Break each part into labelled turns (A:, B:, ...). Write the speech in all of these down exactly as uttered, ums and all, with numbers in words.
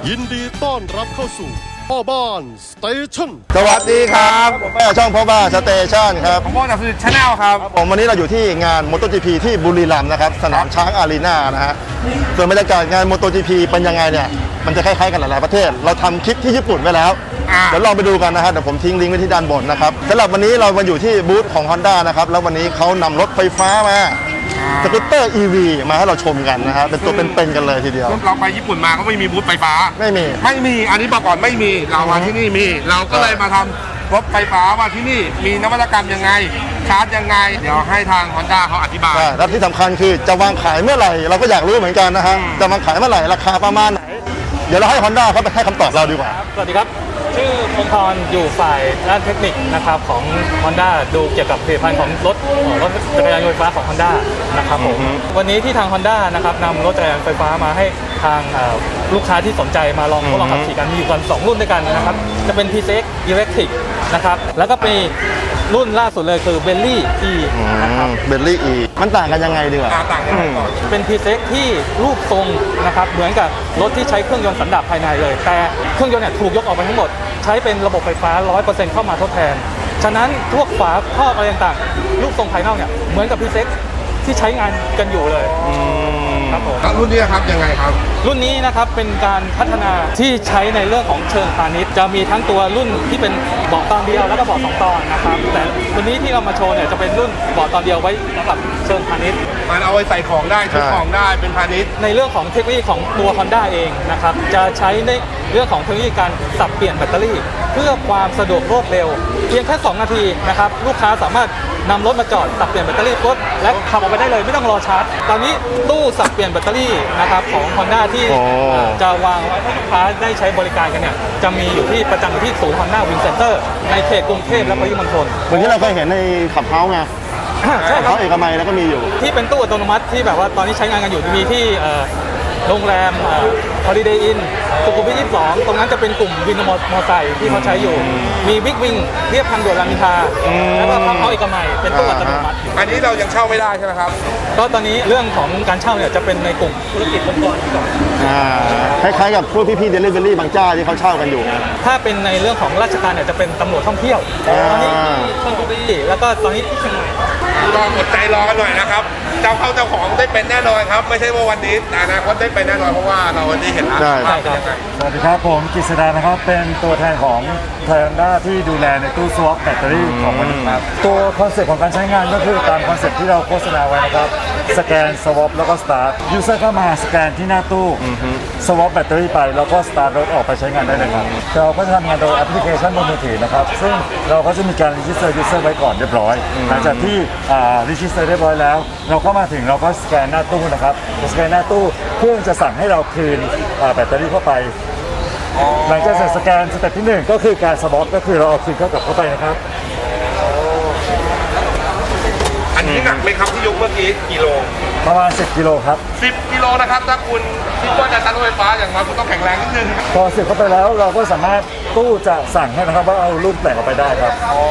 A: ยินดีต้อนรับเข้าสู่พ่อบ้านสเตชัน
B: สวัสดีครับผมแม่ช่องพ่อบ้านสเตชันครับ
C: ผมโบนัสชาแนลครับ
B: ผมวันนี้เราอยู่ที่งานมอเตอร์จีพีที่บุรีรัมย์นะครับสนามช้างอารีนานะฮะส่วนบรรยากาศงานมอเตอร์จีพีเป็นยังไงเนี่ยมันจะคล้ายๆกันหลายๆประเทศเราทำคลิปที่ญี่ปุ่นไว้แล้วเดี๋ยวลองไปดูกันนะฮะเดี๋ยวผมทิ้งลิงก์ไว้ที่ด้านบนนะครับสำหรับวันนี้เรามาอยู่ที่บูธของ Honda นะครับแล้ววันนี้เขานำรถไฟฟ้ามาสกูตเตอร์ อี วี มาให้เราชมกันนะฮะเป็นตัวเป็นๆกันเลยทีเดียว
C: เราไปญี่ปุ่นมาก็ไม่มีบูธไฟฟ้า
B: ไม่มี
C: ไม่มีอันนี้บอกก่อนไม่มีเรามาที่นี่มีเราก็เลยมาทำรถไฟฟ้าว่าที่นี่มีนวัตกรรมยังไงชาร์จยังไงเดี๋ยวให้ทาง Honda เขาอธิบาย
B: และที่สำคัญคือจะวางขายเมื่อไหร่เราก็อยากรู้เหมือนกันนะฮะจะวางขายเมื่อไหร่ราคาประมาณไหนเดี๋ยวเราให้ Honda เขาไปให้คำตอบเราดีกว่า
D: สวัสดีครับชื่อพงธรอยู่ฝ่ายด้านเทคนิคนะครับของ Honda ดูเกี่ยวกับผลิตภัณฑ์ของรถรถจักรยานยนต์ไฟฟ้าของ Honda นะครับผมวันนี้ที่ทาง Honda นะครับนำรถจักรยานไฟฟ้ามาให้ทางลูกค้าที่สนใจมาลองทดลองขับขี่กันมีอยู่กันสองรุ่นด้วยกันนะครับจะเป็น ที ซี เอ็กซ์ Electric นะครับแล้วก็เป็นรุ่นล่าสุดเลยคือ Bentley E นะครับ
B: Bentley E มันต่างกันยังไงดีกว่า
C: ต่างกันก่อน
D: เป็น ที ซี เอ็กซ์ ที่รูปทรงนะครับเหมือนกับรถที่ใช้เครื่องยนต์สันดาปภายในเลยแต่เครื่องยนต์เนี่ยถูกยกออกไปทั้งหมดใช้เป็นระบบไฟฟ้า ร้อยเปอร์เซ็นต์ เข้ามาทดแทนฉะนั้นพวกฝาครอบอะไรต่างๆรูปทรงภายนอกเนี่ยเหมือนกับ ที ซี เอ็กซ์ ที่ใช้งานกันอยู่เลยครับผม
C: รุ่นนี้ครับยังไงครับ
D: รุ่นนี้นะครับเป็นการพัฒนาที่ใช้ในเรื่องของเชิงพาณิชย์จะมีทั้งตัวรุ่นที่เป็นเบาะตอนเดียวแล้วก็เบาะสองตอนนะครับแต่วันนี้ที่เรามาโชว์เนี่ยจะเป็นรุ่นเบาะตอนเดียวไว้สำหรับเชิงพาณิชย์
C: มันเอาไว้ใส่ของได้ทุกของได้เป็นพาณิชย์
D: ในเรื่องของเทคโนโลยีของตัว Honda เองนะครับจะใช้ในเรื่องของเทคโนโลยีการสับเปลี่ยนแบตเตอรี่เพื่อความสะดวกรวดเร็วเพียงแค่สองนาทีนะครับลูกค้าสามารถนำรถมาจอดสับเปลี่ยนแบตเตอรี่รถและขับออกไปได้เลยไม่ต้องรอชาร์จตอนนี้ตู้สับเปลี่ยนแบตเตอรี่นะครับของ Honda ที่จะวางไว้ให้ลูกค้าได้ใช้บริการกันเนี่ยจะมีอยู่ที่ประจำอยู่ที่ศูนย์ Honda Wing Center ในเขตกรุงเทพและปริมณฑล
B: เหมือนที่เราเคยเห็นในขับเฮ้าไง
D: ใช่ครับ
B: เขาเอกมัยแล้วก็มีอยู่
D: ที่เป็นตู้อัตโนมัติที่แบบว่าตอนนี้ใช้งานกันอยู่มีที่โรงแรม Holiday Inn สุขุมวิทยี่สิบสองตรงนั้นจะเป็นกลุ่มวินมอเตอร์ไซค์ที่เขาใช้อยู่มีบิ๊กวิงเรียบทางด่วนรามอินทราแล้วก็เขาเอกมัยเป็นตู้อัตโนมัติ
C: อันนี้เรายังเช่าไม่ได้ใช่ไหมครับ
D: ก็ตอนนี้เรื่องของการเช่าเนี่ยจะเป็นในกลุ่มธุรกิจองค์กรก่อน
B: คล้ายๆกับพวกพี่ๆเดลิเวอรี่บางเจ้าที่เขาเช่ากันอยู่
D: ถ้าเป็นในเรื่องของราชการเนี่ยจะเป็นตำรวจท่องเที่ยวตอนนี้ท่องเที่ยวแล้วก็ตอนนี้ที่เชียงใหม่
C: รออดใจรอกันหน่อยนะครับเจ้าเข้าเจ้าของได้เป็นแน่นอนครับไม่ใช่ว่าวันนี้แต่อนาคตได้เป็นแน่นอนเพราะว่าเราวันนี้เห็นแล้ว
B: ใช่
D: ครับ
E: สวัสดีครับผมกฤษดานะครับเป็นตัวแทนของไทยฮอนด้าที่ดูแลในตู้สวอปแบตเตอรี่ของมันครับตัวคอนเซ็ปต์ของการใช้งานก็คือตามคอนเซ็ปต์ที่เราโฆษณาไว้นะครับสแกนสวอปแล้วก็สตาร์ทยูเซอร์เข้ามาสแกนที่หน้าตู้สวอปแบตเตอรี่ไปแล้วก็สตาร์ทรถออกไปใช้งานได้เลยครับเราก็จะทำงานโดยแอปพลิเคชันบนมือถือนะครับซึ่งเราก็จะมีการรีจิสเตอร์ยูเซอร์ไว้ก่อนเรียบร้อยหลังจากที่รีจิสเตอร์เรียบร้อยแล้วเราก็มาถึงเราก็สแกนหน้าตู้นะครับสแกนหน้าตู้เครื่องจะสั่งให้เราคืนแบตเตอรี่เข้าไปหลังจากเสร็จสแกนสเต็ปที่หนึ่งก็คือการสวอปก็คือเราเอาคืนเข้ากลับเข้าไปนะครับ
C: อันนี้หนักไหมครับที่ยกเมื่อกี้กิโล
E: ประมาณสิบกิโลครับ
C: สิบกิโลนะครับถ้าคุณคิดว่าจะตัดรถไฟฟ้าอย่างน้อยคุณต้องแข็งแรงนิดนึง
E: พอเสร็จเข้าไปแล้วเราก็สามารถตู้จะสั่งให้นะครับว่าเอารุ่นแต่งออกไปได้ครับ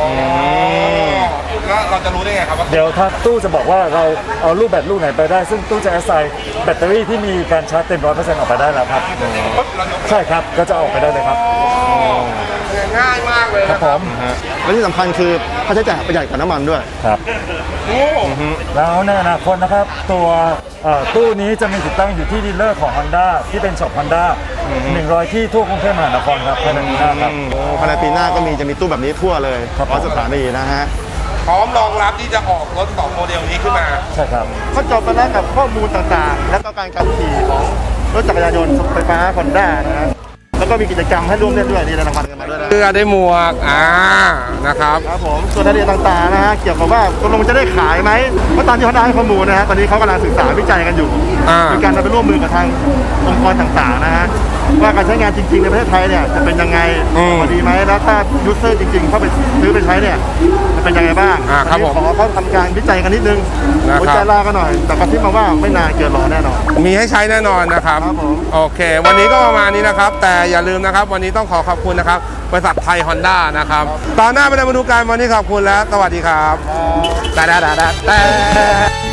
C: แล้วเราจะรู้ได้ไงครับว่า
E: เดี๋ยวถ้าตู้จะบอกว่าเราเอารูปแบตลูกไหนไปได้ซึ่งตู้จะแอสไซน์แบตเตอรี่ที่มีการชาร์จเต็มร้อยเปอร์เซ็นต์ออกไปได้แล้วครับใช่ครับก็จะออกไปได้เลยครับ
C: ง่ายมากเลย
E: ครับผม
B: และที่สำคัญคือค่าใช้จ่ายประหยัดกว่าน้ำมันด้วย
E: ครับแล้วในอนาคตนะครับตัวตู้นี้จะมีติดตั้งอยู่ที่ดีลเลอร์ของ Honda ที่เป็นช็อป Honda หนึ่งร้อยที่ทั่วกรุงเทพมหานครครับภายในปีหน้าครับ
B: ภายในปีหน้าก็มีจะมีตู้แบบนี้ทั่วเลยเพราะสถานีนะฮะ
C: พร้อมรองรับที่จะออกรถสองโมเดลนี้ขึ้นมา
E: ใช่ครับ
B: ก็จบไปแล้วกับข้อมูลต่างๆและก็การขับขี่ของรถจักรยานยนต์ไฟฟ้า Honda นะฮะแล้วก็มีกิจกรรมให้ร่วมเล่นด้วยนี่รางวัลกันมาด้วยนะ
C: เสื้อได้หมวกอ่านะครับ
B: ครับผมส่วนรายละเอียดต่างๆนะฮะเกี่ยวกับว่าตกลงจะได้ขายไหมเพราะตามที่เขาได้ข้อมูลนะฮะตอนนี้เขากำลังศึกษาวิจัยกันอยู่มีการไปร่วมมือกับทางองค์กรต่างๆนะฮะว่าการใช้งานจริงๆในประเทศไทยเนี่ยจะเป็นยังไงพอดีไหมแล้วถ้ายูเซอร์จริงๆเข้าไปซื้อไปใช้เนี่ยจะเป็นยังไงบ้าง
C: อันนี้
B: ขอเขาทำการวิจัยกันนิดนึงหัวใจลากันหน่อยแต่กระซิบมาว่าไม่นานเกินรอแน่นอน
C: มีให้ใช้แน่นอนนะครับโอเควันนี้ก็ประมาณนี้นะครับแต่อย่าลืมนะครับวันนี้ต้องขอขอบคุณนะครับบริษัทไทยฮอนด้านะครับตอนหน้าไปมาดูกันวันนี้ขอบคุณแล้วสวัสดีครับแต่แต่แต่